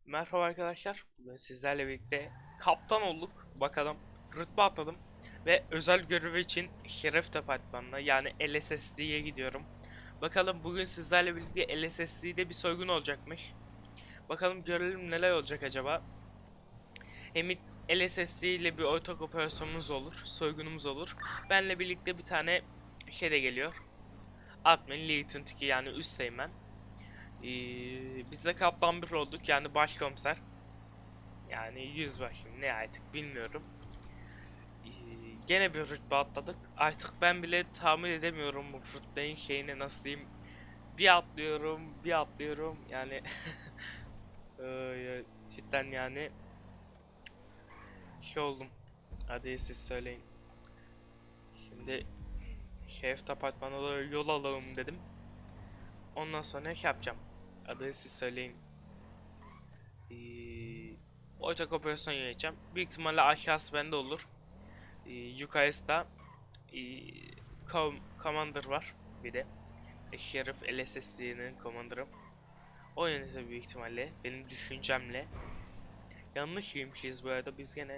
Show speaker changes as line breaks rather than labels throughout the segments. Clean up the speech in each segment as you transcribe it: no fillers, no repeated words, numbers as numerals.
Merhaba arkadaşlar. Bugün sizlerle birlikte kaptan olduk. Bakalım rütbe atladım. Ve özel görevi için Şeref Departmanı'na yani LSSD'ye gidiyorum. Bakalım bugün sizlerle birlikte LSSD'de bir soygun olacakmış. Bakalım görelim neler olacak acaba. Hem LSSD ile bir ortak operasyonumuz olur. Soygunumuz olur. Benle birlikte bir tane şey de geliyor. Admin Lieutenant 2 yani üsteğmen. Biz de kaptan bir olduk yani başkomiser. Yani yüzbaşım ne artık bilmiyorum. Ee, Gene bir rütbe atladık. Artık ben bile tahmin edemiyorum bu rütbenin şeyini nasıl diyeyim. Bir atlıyorum, bir atlıyorum. Yani cidden yani şey oldum. Hadi siz söyleyin. Şimdi şerif apartmanına doğru yol alalım dedim. Ondan sonra ne yapacağım? Hadi siz söyleyin. Ortak operasyon yöneteceğim. Büyük ihtimalle aşağısı bende olur. Yukarısı da Commander var bir de. Sheriff LSSD'nin Commander'ı. O yönetiyor büyük ihtimalle benim düşüncemle. Yanlış yemişiz bu arada, biz gene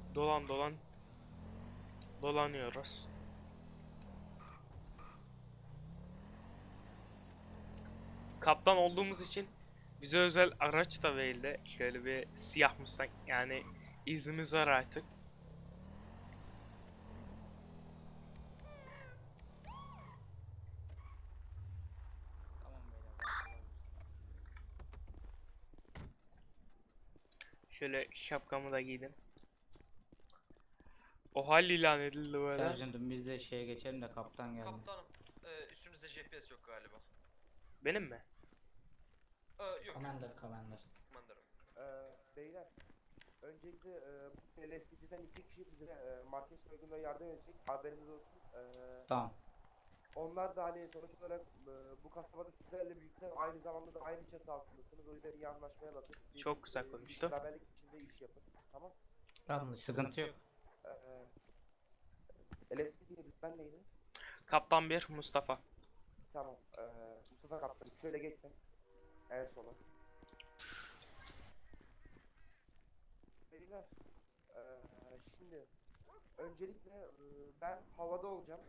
dolanıyoruz. Kaptan olduğumuz için bize özel araç da verildi. Şöyle bir siyah Mustang, yani iznimiz var artık.
Tamam beyler rahat olabiliriz.
Şöyle şapkamı da giydim. O hal ilan edildi böyle.
Sergeant'ım biz de şeye geçelim de kaptan geldi.
Kaptanım, üstünüzde GPS yok galiba.
Benim mi?
Yok.
Commander.
Mandarım.
Beyler, öncelikle bu LSPD'den iki kişi bize market soygununa yardım edecek. Haberiniz olsun.
Tamam.
Onlar da hani sonuç olarak bu kasabada sizlerle birlikte aynı zamanda da aynı çatı altındasınız. O yüzden iyi anlaşmaya bakın.
Çok güzel konuştu.
Beraberlik içinde iş yapın. Tamam.
Yanlış. Sıkıntı yok.
LSPD'ye rütben neydi?
Kaptan 1 Mustafa.
Tamam. Mustafa Kaptan şöyle geçsen. En sola. Beyler, şimdi öncelikle ben havada olacağım.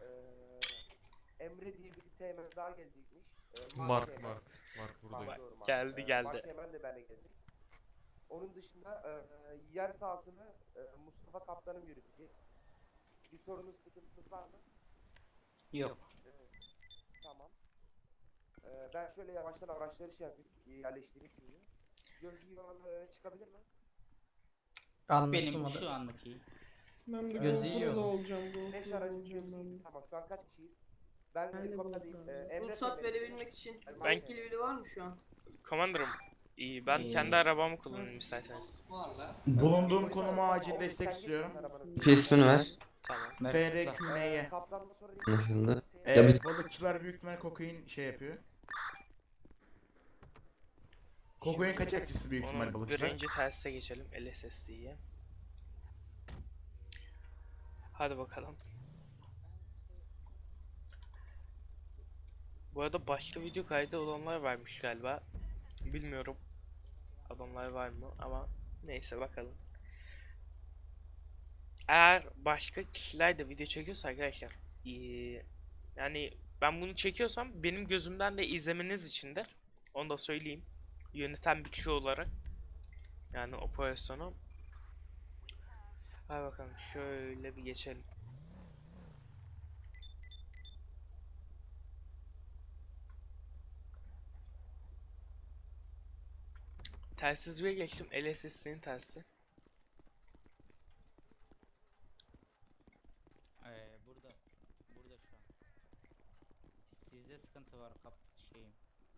Emre diye bir teğmen daha gelecekmiş.
Mark
Mark,
buradayım.
doğru, Mark.
Geldi.
Mark Teğmen de benimle gelecek. Onun dışında yer sahasını Mustafa Kaptan'ım yürütecek. Bir sorunuz, sıkıntınız var mı?
Yok.
Tamam. Ben şöyle yavaştan araçları şey yapayım, yerleştireyim sizi. Gözlüğü olanlar çıkabilir mi?
Benim şu anlık iyi.
Ben de
Gözü
GoPro'da
yiyor.
olacağım.
5
GoPro'da
aracın
olacağım ben
gözlüğü.
de.
Tamam, şu an kaç kişiyiz? Ben
Ben de
helikopterdeyim.
GoPro'da.
Emre
Ruhsat
Teğmen'im.
verebilmek için
Ben-
yetkili biri var mı şu an?
Commander'ım. İyi, ben kendi arabamı kullanayım isterseniz.
Bulunduğum konuma acil destek istiyorum.
İsmini ver.
Tamam.
FRQN'ye.
Kaptanla sonra
Anlaşıldı.
Balıkçılar büyük ihtimal kokain şey yapıyor. Kokain kaçakçısı büyük ihtimal
Onun
balıkçılar.
birinci teste geçelim LSSD'ye. Hadi bakalım. Bu arada başka video kaydı olanlar varmış galiba. Bilmiyorum. Adamlar var mı ama neyse bakalım. Eğer başka kişiler de video çekiyorsa arkadaşlar, yani ben bunu çekiyorsam benim gözümden de izlemeniz içindir. Onu da söyleyeyim. Yöneten bir kişi olarak. Yani operasyonu. Hadi bakalım şöyle bir geçelim. Telsiz bir geçtim. LSS'nin telsizi.
Burada şu an. Sizde sıkıntı var şeyim.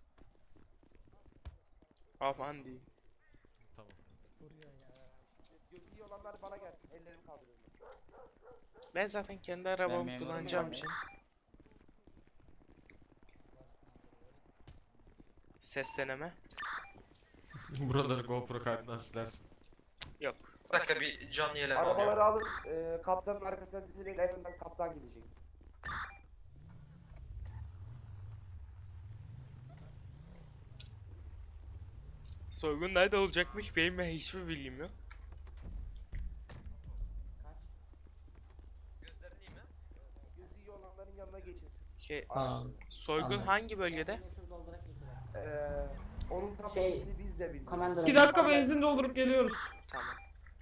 Aman diyeyim.
Tamam.
gözlüğü olanlar bana gelsin. Ellerimi kaldırıyorum.
Ben zaten kendi arabamı
memurum
kullanacağım
yani.
için. Ses deneme.
Buraları GoPro kaydından silersin.
Yok.
Bir dakika, bir can yelem alıyorum.
Arabaları alın. Kaptanın arkasına dizilin. En önden kaptan gidecek.
Soygun nerede olacakmış benim hiçbir bilgim yok.
Gözlerin iyi mi?
Gözü iyi olanların yanına geçin.
Şey,
Aa,
soygun
anladım.
hangi bölgede?
Onun tam
Şey,
içini biz de bilmiyoruz.
Commander.
2 dakika benzin doldurup geliyoruz.
Tamam.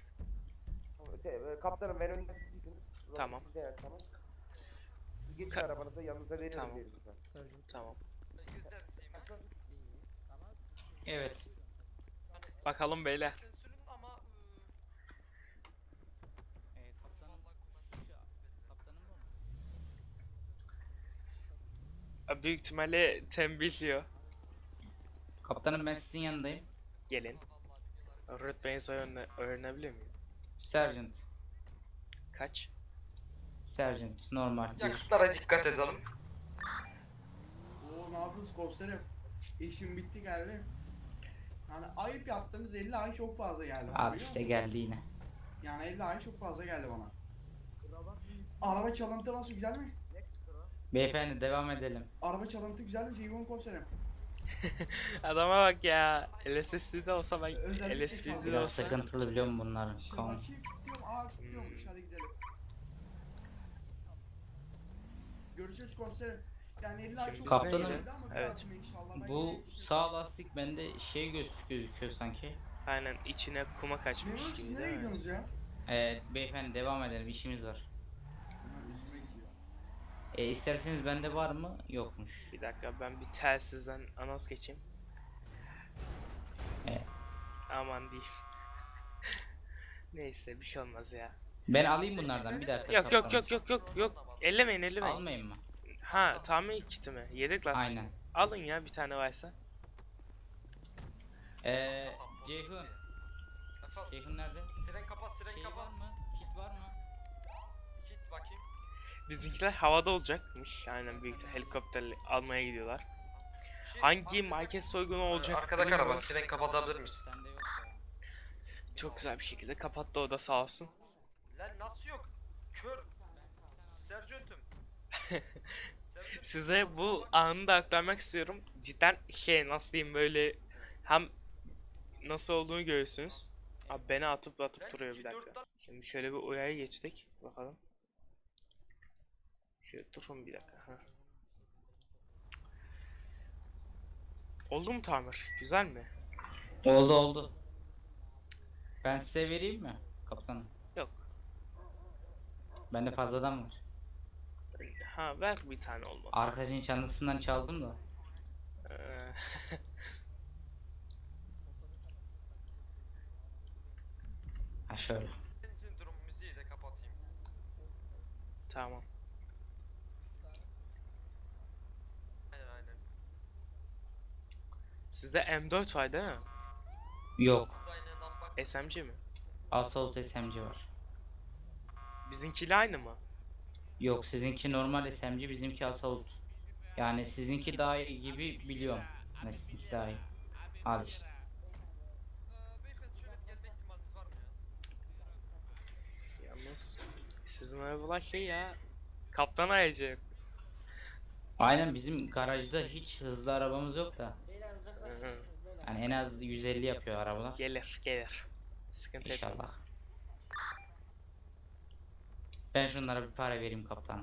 Kaptanım ben önümde siz gidiniz. Ulan
Tamam.
Siz de yani tamam. Siz geçin
Ka-
arabanıza yanınıza verin
Tamam.
verin lütfen.
Tamam.
Gözlerin iyi mi?
Evet.
Hani
Bakalım beyler.
sensörün ama
Kaptanım. Kaptanım bu mu?
Büyük ihtimalle tembihliyor.
Kaptanım ben sizin yanındayım.
Gelin. Rütbenizi öğrenebilir miyim?
Sergeant.
Kaç?
Sergeant. Normal.
yakıtlara dikkat edelim.
Oo ne yapıyorsunuz komiserim? İşim bitti geldi. Yani ayıp yaptığınız 50 ay çok fazla geldi bana,
Abi
biliyor
işte
musun?
geldi yine.
Yani 50 ay çok fazla geldi bana. Araba çalıntı nasıl, güzel mi?
Beyefendi devam edelim.
Araba çalıntı güzel mi Ceyhun komiserim?
Adama bak ya. LSS'de olsa ben
Özellikle
LSP'de
çaldı.
Biraz
olsa.
sıkıntılı biliyor musun bunların?
Şimdi
Tamam.
bakayım, kilitliyorum. Kilitliyormuş, hadi gidelim. Görüşürüz komiserim. Yani 50 ay
Şimdi
çok
biz
fazla
Kaptanım,
geldi ama bir
evet.
dahakine inşallah ben
Bu
yine işim-
sağ lastik bende şey gözüküyor sanki.
Aynen içine kuma kaçmış
Memurum siz
gibi
nereye
değil mi?
gidiyorsunuz ya?
Beyefendi devam edelim, işimiz var.
Bunlar üzüme gidiyor.
İsterseniz bende var mı? Yokmuş.
Bir dakika ben bir telsizden anons geçeyim.
Evet.
Aman diyeyim. Neyse bir şey olmaz ya.
Ben alayım bunlardan bir dakika.
Yok yok
kaptanım.
yok yok yok yok. Ellemeyin ellemeyin.
Almayayım mı?
Ha tamir kiti mi? Yedek lastik.
Aynen.
Alın ya bir tane varsa.
Ceyhun.
Efendim,
Ceyhun nerede?
siren kapat, siren
Şey var
kapat.
mı? Kit var mı?
Git bakayım.
Bizimkiler havada olacakmış. Aynen büyük ihtimalle helikopterle almaya gidiyorlar. Hangi market soygunu olacak?
Arkadaki
bilmiyorum.
araba, siren kapatabilir misin?
Sende yok ya.
Çok güzel bir şekilde kapattı o da sağ olsun.
Lan nasıl yok? Kör. Sergeant'ım. Sergeant.
Size bu anı da aktarmak istiyorum. Cidden şey nasıl diyeyim böyle hem nasıl olduğunu görürsünüz. Abi beni atıp atıp duruyor bir dakika. Şimdi şöyle bir uyarı geçtik. Bakalım. Şöyle durun bir dakika. Ha. Oldu mu tamir? Güzel mi?
Oldu oldu. Ben size vereyim mi kaptanım?
Yok.
Bende fazladan var.
Ha ver bir tane olmadı.
Arkacın çantasından çaldım da.
Ee,
Ha şöyle.
Benzin durum müziği de kapatayım.
tamam.
Aynen.
Sizde M4 var değil mi?
Yok.
Dizaynından bak.
SMG mi?
Assault SMG var.
Bizimkiyle aynı mı?
Yok sizinki normal SMG, bizimki Assault. Yani sizinki daha iyi gibi biliyorum. Ne sizinki daha iyi. Al işte.
Beyefendi şöyle gelme ihtimaliniz var mı ya?
Yalnız sizin arabalar şey ya. Kaptan ayacı.
Aynen bizim garajda hiç hızlı arabamız yok da.
Beyler uzaklaşın.
Hı hı.
Beyler.
Yani en az 150 yapıyor arabalar.
Gelir gelir. Sıkıntı etme.
İnşallah. Ben şunlara bir para vereyim kaptanım.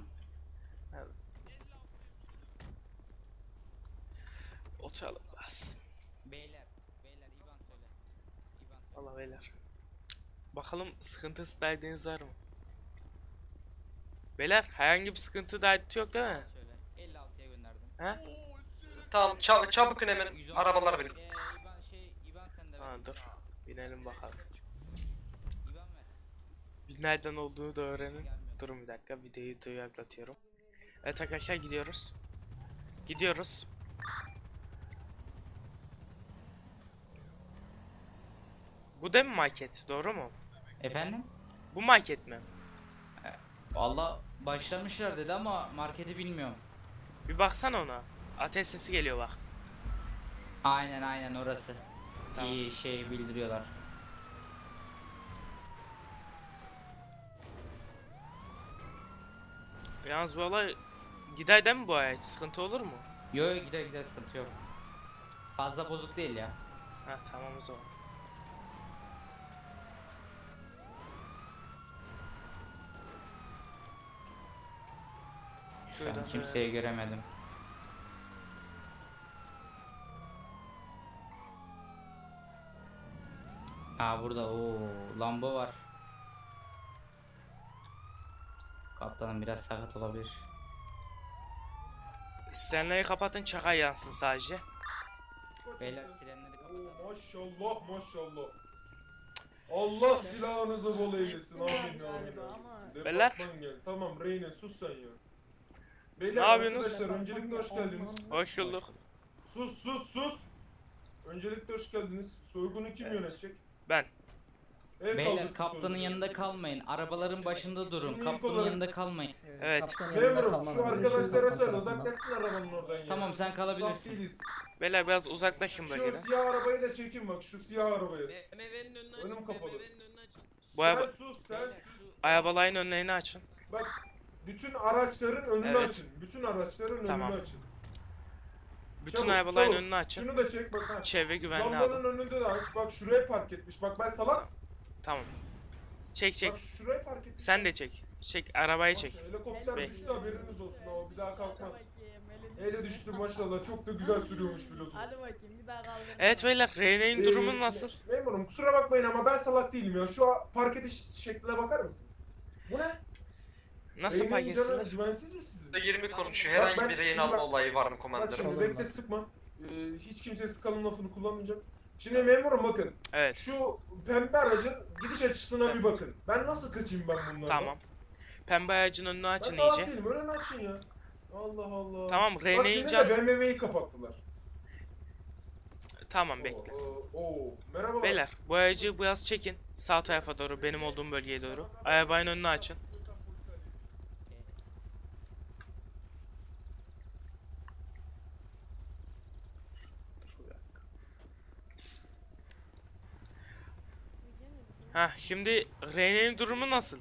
Oturalım bas.
Beyler İvan söyle. İvan
Allah beyler. Bakalım sıkıntısı derdiniz var mı? Beyler herhangi bir sıkıntı derdi yok değil mi?
söyle. 56'ya gönderdim.
He?
Tamam çabuk in hemen
110.
arabalar benim.
İvan sen de ver.
Ha dur. Binelim bakalım.
İvan ver.
Bir nereden olduğunu da öğrenin. Durun bir dakika videoyu duyuklatıyorum. Evet arkadaşlar gidiyoruz. Gidiyoruz. Bu da mı market? Doğru mu?
Efendim?
Bu market mi?
Valla başlamışlar dedi ama marketi bilmiyorum.
Bir baksana ona. Ateş sesi geliyor bak.
Aynen orası.
Tamam.
İyi şey bildiriyorlar.
Yalnız bu olay gider değil mi bu ay? Sıkıntı olur mu?
Yo gider sıkıntı yok. Fazla bozuk değil ya.
Ha tamam o zaman.
Şu an
Şuradan
kimseyi göremedim. Ha burada o Lambo var. Kaptanım biraz sakat olabilir.
Senleri kapatın, çaka yansın sadece.
Beyler sirenleri kapatalım.
Maşallah maşallah. Allah silahınızı bol eylesin. Amin amin.
Beyler.
Departman gel. Tamam Reyne sus sen ya.
Ne
Beyler
yapıyorsunuz?
arkadaşlar öncelikle hoş geldiniz.
Hoş bulduk.
Sus. Öncelikle hoş geldiniz. Soygunu kim
Evet.
yönetecek?
Ben.
El
Beyler
kaldırsın
kaptanın
soygunu.
yanında kalmayın. Arabaların başında durun.
Şimdi ilk
Kaptanın
olarak-
yanında kalmayın.
Evet.
Memurum şu arkadaşlara söyle uzaklaşsın arabanın oradan ya.
Tamam sen
Saf
kalabilirsin.
değiliz.
Beyler biraz uzaklaşın
Şu
bölgeden.
siyah arabayı da çekin bak şu siyah arabayı.
BMW'nin önünü açın.
Önüm kapalı.
BMW'nin önünü açın.
Bu
Sen
araba
sus sen sus.
arabaların önlerini açın.
Bak bütün araçların önünü
Evet.
açın. Bütün araçların
Tamam.
önünü açın.
Bütün
Çabuk,
arabaların
çabuk.
önünü açın.
Şunu da çek bak ha.
Çevre güvenliği
Lambanın
alın.
önünde de aç. Bak şuraya park etmiş. Bak ben salak.
Tamam. Çek.
Bak şuraya park etmiş.
Sen de çek. Çek arabayı
Bak,
çek.
Helikopter
Bek.
düştü haberiniz olsun ama bir daha kalkmaz. Ele düştü maşallah. Çok da güzel sürüyormuş pilotumuz.
Hadi bakayım bir daha kaldır.
Evet beyler, Rene'nin durumu nasıl?
Memurum kusura bakmayın ama ben salak değilim ya. Şu park ediş şekline bakar mısın? Bu ne?
Nasıl
Reyne'nin
park
canı
etsinler?
Güvensiz mi sizin?
20 konuşuyor.
Bak
Herhangi
ben-
bir rehin
şimdi
alma
bak-
olayı var mı
Bak
komandanım?
şimdi bekle sıkma. Hiç kimse sıkalım lafını kullanmayacak. Şimdi memurum bakın.
Evet.
Şu pembe aracın gidiş açısına bir bakın. Ben nasıl kaçayım ben bunlardan?
Tamam. Pembe ağacın önünü
Ben
açın
salak
iyice.
değilim. Önünü açın ya. Allah Allah.
Tamam,
Bak
Rene'nin
şimdi
can...
de BMW'yi kapattılar.
Tamam bekle.
Merhaba.
Beyler, bu aracı biraz çekin. Sağ tarafa doğru, benim olduğum bölgeye doğru. Arabanın önünü açın. Ha, şimdi Rene'nin durumu nasıl?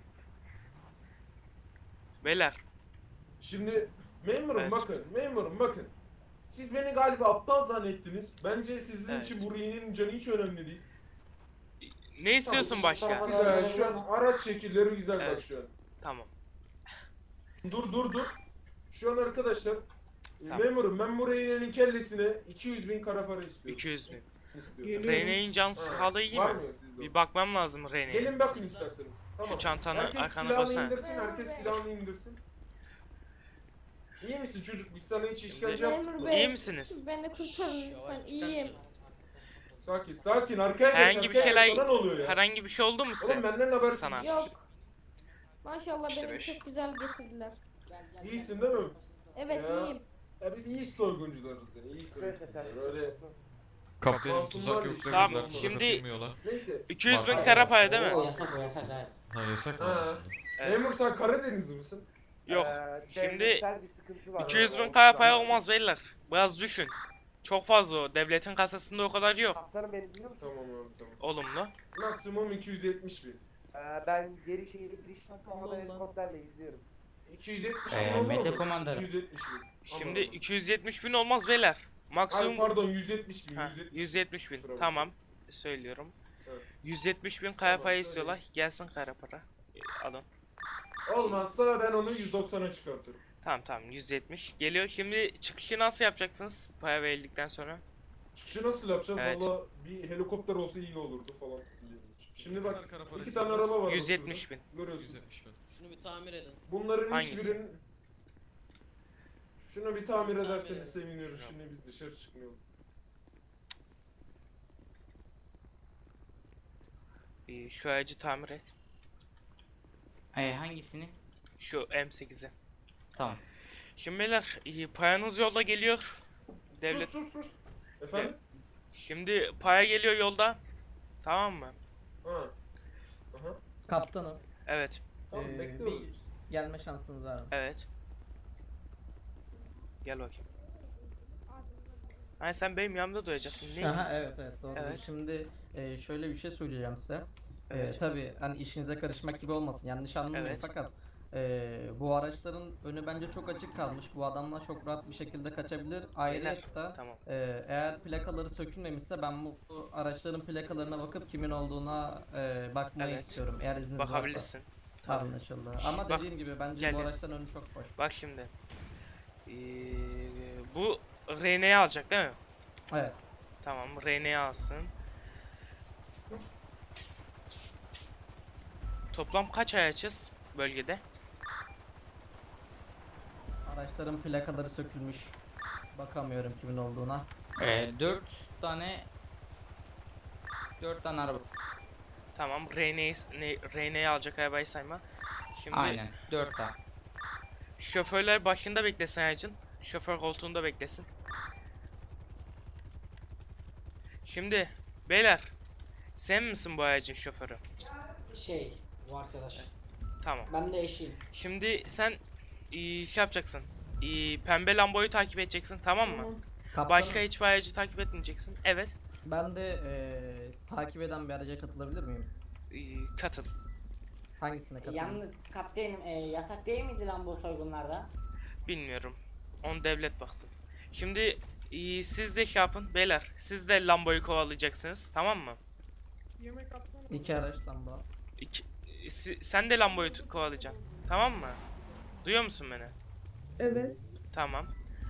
Beyler,
Şimdi memurum
Evet.
bakın. Siz beni galiba aptal zannettiniz. Bence sizin
Evet.
için bu Rey'nin canı hiç önemli değil.
ne istiyorsun başka?
Güzel. Şu an araç şekilleri güzel bak
Evet.
şu an.
Tamam.
Dur. Şu an arkadaşlar
Tamam.
memurum ben bu Rey'nin kellesine 200.000 kara para istiyorum.
200 bin.
İstiyorum.
Rene'nin can
Ha,
sağlığı iyi
var
mi?
mı sizde o?
Bir bakmam lazım Rene'ye.
Gelin bakın isterseniz. Tamam.
Şu çantanı
Herkes
arkana
silahını
koysana.
indirsin, herkes silahını indirsin. İyi misin çocuk? Biz sana hiç işkence yaptık
Memur
mı?
Bey.
İyi misiniz?
Beni kurtarın lütfen. İyiyim.
Sakin. Arkaya geç.
Herhangi bir
arkaya
şeyler-
geç. Sana ne oluyor ya?
Herhangi bir şey oldu mu
Oğlum
size?
benden habersiz.
Sana.
Yok. Maşallah
İşte
beni
beş.
çok güzel getirdiler.
İyisin değil mi?
Evet
Ya.
iyiyim.
Ya biz iyi soyguncularız yani. İyi soyguncular. Öyle.
Kaptanım
Masum
tuzak
var
yok
ya işte.
Tamam,
dediler. tuzak
şimdi-
atılmıyorlar.
Neyse.
200 bin
Var.
kara para değil mi?
yasak o yasak ha.
Ha yasak mı
Ha.
aslında?
Evet.
Memur sen Karadenizli misin?
Yok. Şimdi
devletsel bir sıkıntı var.
200 bin
Onu
kara
şu
para
an-
olmaz beyler. Biraz düşün. Çok fazla o. Devletin kasasında o kadar yok.
Kaptanım beni duyuyor musun?
Tamam abi tamam.
Olumlu.
Maksimum 270.000.
Ben geri şehirde giriş kapsamada
Allah.
helikopterle izliyorum.
270.000 olur mu?
Mete komandanım.
270.000.
Şimdi 270 bin olmaz beyler.
Ay
Maksimum
pardon 170.000.
ha, 170 bin.
Kusura bakma.
Tamam. Söylüyorum.
Evet.
170 bin kara
Tamam,
para
söyle.
istiyorlar. Gelsin kara para. Alın.
Olmazsa ben onu 190'a çıkartırım.
Tamam 170. Geliyor. Şimdi çıkışı nasıl yapacaksınız? Para verildikten sonra.
Çıkışı nasıl yapacağız?
Evet.
Valla bir helikopter olsa iyi olurdu falan. Şimdi bak
Kara para
iki tane
istiyorlar.
araba var.
170 bin.
ortada. Görüyorsun.
170 bin.
Şunu bir tamir edin.
Bunların
Hangisi?
hiçbirinin... Şunu bir tamir
Tamir
ederseniz
edin.
seviniyoruz. Şimdi biz dışarı çıkmayalım.
Şu aracı tamir et.
Hangisini?
Şu M8'i.
Tamam.
Şimdi beyler paranız yolda geliyor. Devlet.
Sus. Efendim?
Şimdi para geliyor yolda. Tamam mı?
Ha. Aha.
Kaptanım.
Evet.
Tamam
Ee,
bekliyoruz
bir-
biz.
Gelme şansınız var.
Evet. Gel bakayım. Hani sen benim yanımda duracaktın. Ne?
Aha, evet doğru.
Evet.
Şimdi şöyle bir şey söyleyeceğim size.
Evet.
Tabii hani işinize karışmak gibi olmasın yanlış anlamayın
Evet.
fakat Bu araçların önü bence çok açık kalmış. Bu adamlar çok rahat bir şekilde kaçabilir. Ayrıca
Tamam.
eğer plakaları sökülmemişse ben bu araçların plakalarına bakıp kimin olduğuna bakmayı
Evet.
istiyorum. Eğer izniniz varsa.
Bakabilirsin. Tabii.
Anlaşıldı. Ama
Bak,
dediğim gibi bence
gel
bu
gel.
araçların önü çok boş.
Bak şimdi. Bu RN'yi alacak değil mi?
Evet.
Tamam, RN'yi alsın. Toplam kaç ay açız bölgede?
Araçların plakaları sökülmüş. Bakamıyorum kimin olduğuna.
4 tane 4 tane araba.
Tamam, RN'yi alacak arabayı sayma. Şimdi
Aynen 4 tane.
şoförler başında beklesin aracın. Şoför koltuğunda beklesin. Şimdi beyler, sen misin bu aracın şoförü?
Bu arkadaş.
Tamam.
Ben de eşiyim.
Şimdi sen şey yapacaksın. Pembe Lambo'yu takip edeceksin, tamam mı?
Kaptanım,
Başka hiçbir aracı takip etmeyeceksin. Evet.
ben de takip eden bir araca katılabilir miyim?
Katıl.
Hangisine katılayım?
Yalnız kaptenim yasak değil miydi lan bu soygunlarda?
Bilmiyorum. On devlet baksın. Şimdi siz de şey yapın beyler. Siz de Lambo'yu kovalayacaksınız, tamam mı?
İki araçtan bu.
Sen de Lambo'yu kovalayacaksın. Tamam mı? Duyuyor musun beni?
Evet.
Tamam.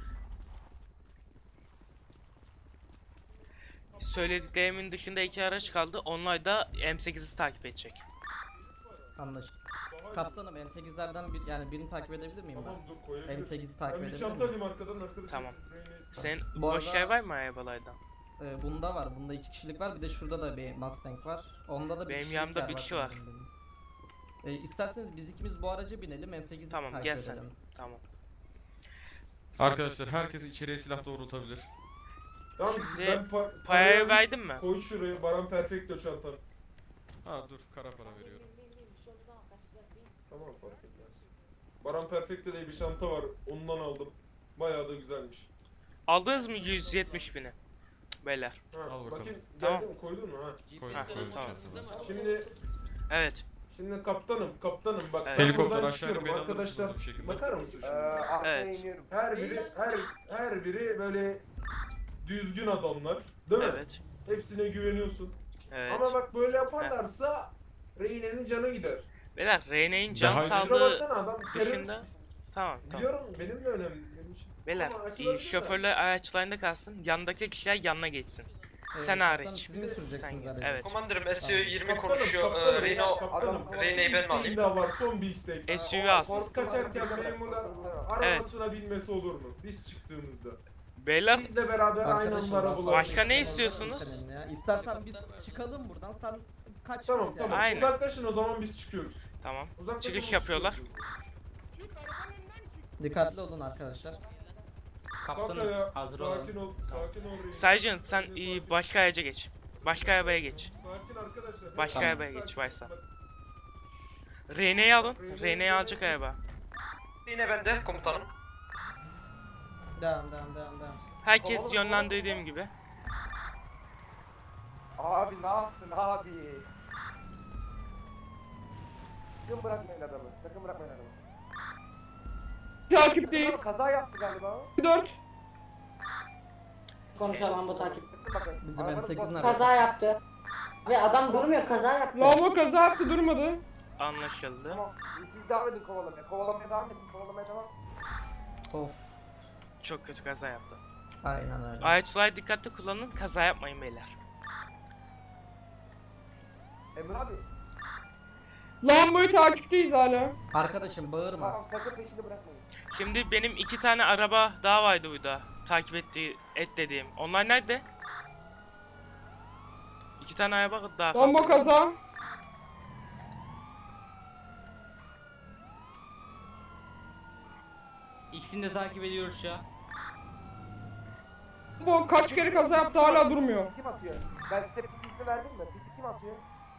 Söylediklerimin dışında iki araç kaldı. Onlar da M8'i takip edecek.
Anlaşıldı. Kaptanım M8'lerden yani birini takip edebilir miyim
Tamam
ben?
dur koyabilirim.
M8'i takip
Ben bir
edebilir
çanta
miyim?
alayım arkadan arkadaşlar.
Tamam.
siz
Sen
Bu
boş
arada-
yer var mı arabalardan?
Bunda var. Bunda 2 kişilik var. Bir de şurada da bir Mustang var. Onda da bir
Benim
kişilik
yanımda
yer
bir kişi var.
sanırım benim. İsterseniz biz ikimiz bu araca binelim. M8'i
Tamam,
takip
gel sen.
edelim.
Tamam.
Arkadaşlar herkes içeriye silah doğrultabilir.
Tamam
Şimdi
ben
Parayı verdin mi?
Koy şuraya Baran Perfecto çantanı.
Ha dur kara para veriyorum.
Tamam fark etmez. Baran Perfecto diye bir çanta var. Ondan aldım. Bayağı da güzelmiş.
Aldınız mı 170 bini? Beyler.
Ha,
Al bakalım.
bakayım
Tamam.
geldi mi koydun mu ha?
Koydum
Ha,
koydum
tamam.
çantama.
Şimdi
Evet.
kaptanım bak
Evet.
ben
Helikopter
buradan
aşağı
çıkıyorum
inip beni alır
arkadaşlar.
mısınız bir şekilde?
Bakar mısın şimdi?
Arkaya
Evet.
iniyorum.
Her biri böyle düzgün adamlar, değil mi?
Evet.
Hepsine güveniyorsun.
Evet.
Ama bak böyle yaparlarsa Reyne'nin canı gider.
Beyler RN'nin can
Daha-
Şuna
sağlığı
baksana adam
dışında. Tamam.
Biliyorum benim de önemli benim için.
Beyler
Ama açılabilir de.
şoförler araçlarında kalsın. Yanındaki kişiler yanına geçsin. Sen
kaptanım,
hariç.
Siz mi süreceksiniz
Sen
aracı?
evet.
Komandanım
Tamam.
SU-20
Kaptanım,
konuşuyor.
kaptanım,
Reno
kaptanım,
Rene'yi ben mi alayım?
isteğim daha var son bir istek.
SUV alsın.
Biz kaçarken memurlar arabasına binmesi olur mu? Biz çıktığımızda.
Beyler
Biz de beraber aynı
Arkadaşım,
anda
daha
arabalar.
Başka ne
fazla
istiyorsunuz?
senin ya. İstersen biz çıkalım buradan. Sen kaç
Tamam
git
tamam.
yani.
Aynen.
Uzaklaşın o zaman biz çıkıyoruz.
tamam.
Uzaklaşın,
Çıkış
biz
yapıyorlar.
çıkıyoruz.
Dikkatli olun arkadaşlar.
Kalk
Kaptanım
ayağa,
hazır
sakin
olun.
ol, sakin ol. Reyne.
Sergeant sen
Sakin,
başka araca geç. Başka arabaya geç.
Sakin arkadaşlar.
Başka
Sakin,
arabaya geç,
sakin.
Vaysa.
Bak,
RN'yi alın. RN'yi alacak araba.
Yine bende komutanım.
Devam.
Herkes yönlendirdiğim gibi.
Abi ne yaptın abi? Sakın bırakmayın adamı. Sakın bırakmayın adamı.
Takipteyiz.
Kaza yaptı galiba.
4.
Konuşalım bu takip.
Sakın bakın.
Bizim
Arabanız
M8'in
bozuldu.
arabası.
Kaza yaptı. Ve adam durmuyor kaza yaptı.
Lambo kaza yaptı durmadı.
Anlaşıldı.
Tamam. Siz devam edin kovalamaya. Kovalamaya devam edin. Kovalamaya devam.
Of.
Çok kötü kaza yaptı.
Aynen öyle.
Araçları dikkatli kullanın. Kaza yapmayın beyler.
Emre abi.
Lambo'yu takipteyiz hala.
Arkadaşım bağırma.
Tamam sakın peşini bırakmayın.
Şimdi benim 2 tane araba daha vardı burada. Takip et dediğim. Onlar nerede? 2 tane araba daha
Lambo
kaldı.
kaza.
İkisini de takip ediyoruz şu an.
Lambo kaç kere kaza yaptı hala durmuyor.
Piti kim atıyor? Ben size piti ismi verdim mi? Piti kim atıyor?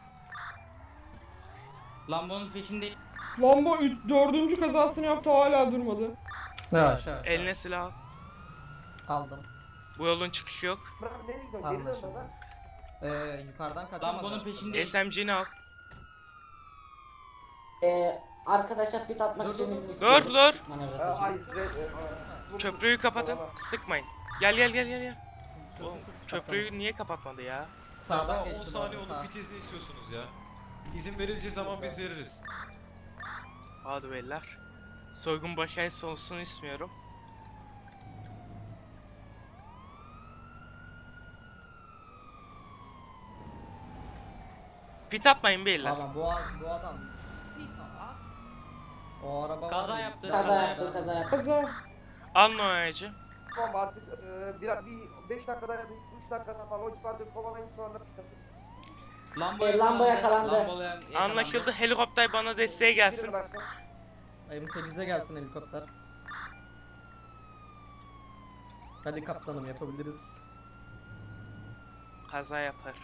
Lambo'nun peşinde
Lambo 4. kazasını yaptı hala durmadı.
Yavaş.
Eline silah al.
Aldım.
Bu yolun çıkışı yok.
Bırak nereye gidiyorsun? Geri dön
Anlaşıldı.
baba.
Yukarıdan kaçamaz.
Lambo'nun peşinde
SMG'ni al.
Arkadaşlar pit atmak
Dur,
için
dur,
izin
dur.
istiyoruz.
Dur.
Manevrası için.
Hayır,
Köprüyü kapatın. Sıkmayın. Gel gel gel gel gel.
Sus,
Oğlum,
sus, sus,
köprüyü niye kapatmadı ya?
Sağdan
Daha 10
geçti bu
saniye
arada,
oldu
sağ.
pit izni istiyorsunuz ya. İzin verileceği zaman biz veririz.
Hadi beyler. Soygun başarısı olsun istiyorum. Pit atmayın beyler.
Tamam bu adam. O araba
Kaza
var ya,
yaptı.
Kaza yaptı, kaza yaptı.
Kaza.
Alın o aracı.
Tamam artık bir 5 dakikada ya da 3 dakikada falan o civarda kovalayın sonra
Lambo
yakalandı.
Anlaşıldı. Helikopter bana desteğe gelsin.
Girin araçtan.
M8'e gelsin helikopter. Hadi kaptanım yapabiliriz.
Kaza yapar.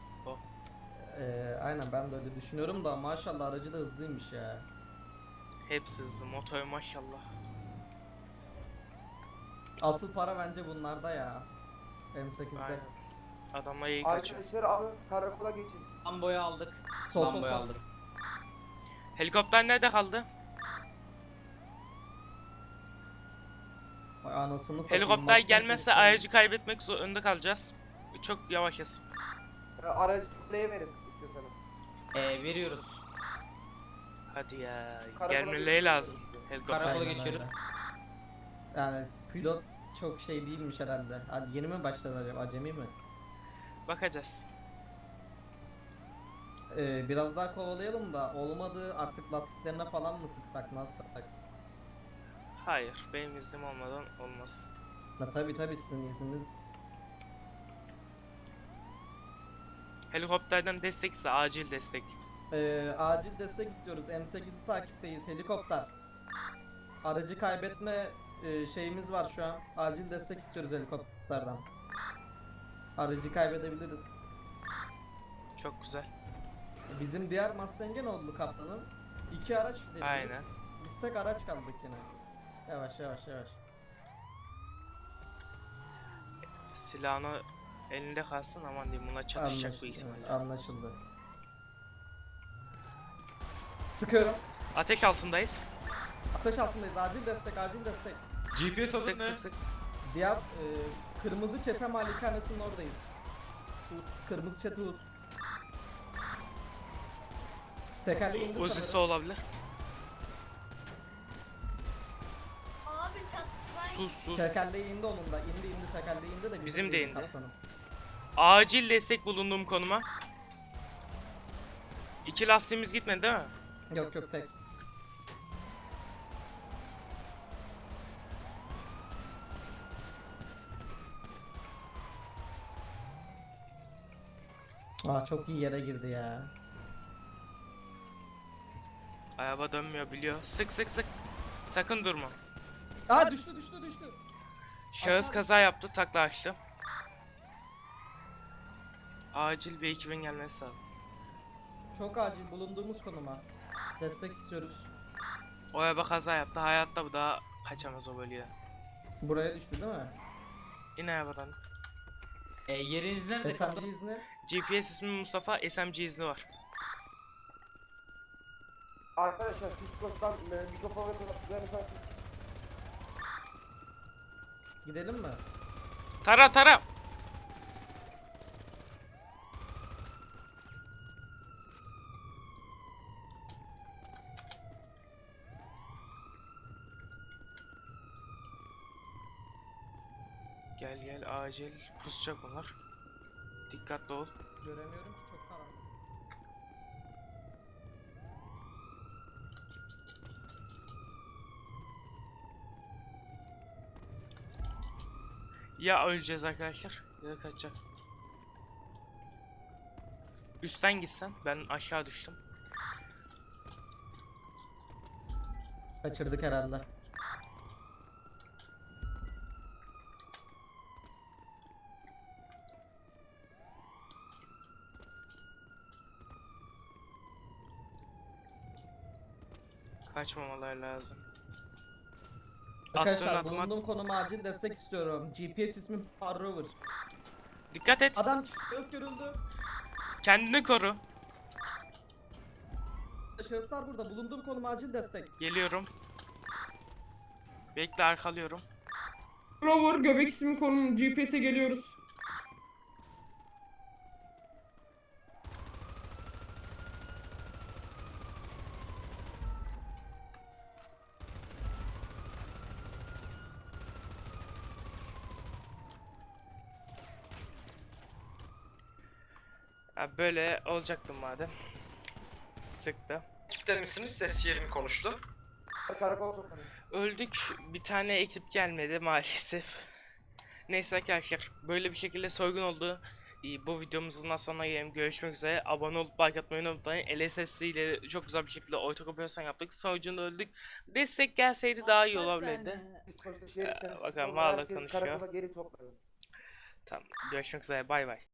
Aynen ben de öyle düşünüyorum da maşallah aracı da hızlıymış ya.
Hepsi hızlı. Motor maşallah.
Asıl para bence bunlarda ya. M8'de.
Aynen. Adamlar iyi kaçıyor.
Arkadaşlar alın karakola geçin.
Lambo'yu aldık.
Sol,
Lambo'yu
sol.
aldık.
Helikopter nerede kaldı?
Vay anasını satayım,
Helikopter
Mustang
gelmezse
geçti.
aracı kaybetmek zorunda kalacağız. Çok yavaşız.
Aracı kuleye verin istiyorsanız.
Veriyoruz.
Hadi ya.
Karakola
Gelmeleri
geçin.
lazım. Helikopter.
Karakola
Aynen
geçiyoruz.
öyle. Yani pilot çok şey değilmiş herhalde. Hadi yeni mi başladı acaba? Acemi mi?
Bakacağız.
Biraz daha kovalayalım da olmadı artık lastiklerine falan mı sıksak ne yapsak?
Hayır. Benim iznim olmadan olmaz.
Tabi sizin izniniz.
Helikopterden destekse acil destek.
Acil destek istiyoruz. M8'i takipteyiz. Helikopter. Aracı kaybetme şeyimiz var şu an. Acil destek istiyoruz helikopterden. Aracı kaybedebiliriz.
Çok güzel.
Bizim diğer Mustang'e ne oldu kaptanım? 2 araç dediniz.
Aynen.
Biz tek araç kaldık yine. Yavaş.
Silahını elinde kalsın, aman diyeyim, buna çatışacak büyük ihtimalle.
Anlaşıldı. Sıkıyorum.
Ateş altındayız.
Ateş altındayız. Acil destek.
GPS adın
Sık
ne?
sık sık.
Diğer kırmızı çete malikanesinin oradayız. Kırmızı çete Hut. Tekerleği indi
Uzisi
sanırım.
olabilir.
Abi çatışma.
Sus.
Tekerleği indi onun da. İndi tekerleği indi de.
Bizim de indi.
kaptanım.
Acil destek bulunduğum konuma. 2 lastiğimiz gitmedi değil mi?
Yok tek. Çok iyi yere girdi ya.
Araba dönmüyor, biliyor. Sık sık sık. Sakın durma.
Düştü.
Şahıs kaza yaptı, takla açtı. Acil bir ekibin gelmesi lazım.
Çok acil bulunduğumuz konuma. Destek istiyoruz.
O araba kaza yaptı, hayatta bu daha kaçamaz o bölgeden.
Buraya düştü değil mi?
İn arabadan.
Yeriniz nerede?
SMG izni.
GPS ismi Mustafa, SMG izni var.
Arkadaşlar Pitstop'tan mikrofon ve kulaklıklarını takın.
Gidelim mi?
Tara! Gel acil pusacak onlar. Dikkatli ol.
Göremiyorum ki çok karanlık.
Ya öleceğiz arkadaşlar ya da kaçacak. Üstten gitsen, ben aşağı düştüm.
Kaçırdık herhalde.
Kaçmamalar lazım.
Arkadaşlar
Attığın adıma
bulunduğum konuma acil destek istiyorum. GPS ismi Parrover.
dikkat et.
Adam şahıs görüldü.
Kendini koru.
Şahıslar burada. Bulunduğum konum acil destek.
Geliyorum. Bekle, arkalıyorum.
Rover göbek ismi konum GPS'e geliyoruz.
Ha, böyle olacaktım madem. Sıktı.
Ekipte misiniz? Ses yerimi konuştu.
Karakol toplanıyor.
Öldük. Bir tane ekip gelmedi maalesef. Neyse arkadaşlar, böyle bir şekilde soygun oldu. Bu videomuzun da sonuna gelelim. Görüşmek üzere. Abone olup like atmayı unutmayın. LSSD ile çok güzel bir şekilde ortak operasyon yaptık. Sonucunda öldük. Destek gelseydi daha iyi olabilirdi.
Psikolojide şeriften
bakalım,
sıkıldı,
hala
herkes
konuşuyor.
Karakola geri toplanın.
Tamam. Görüşmek üzere. Bay bay.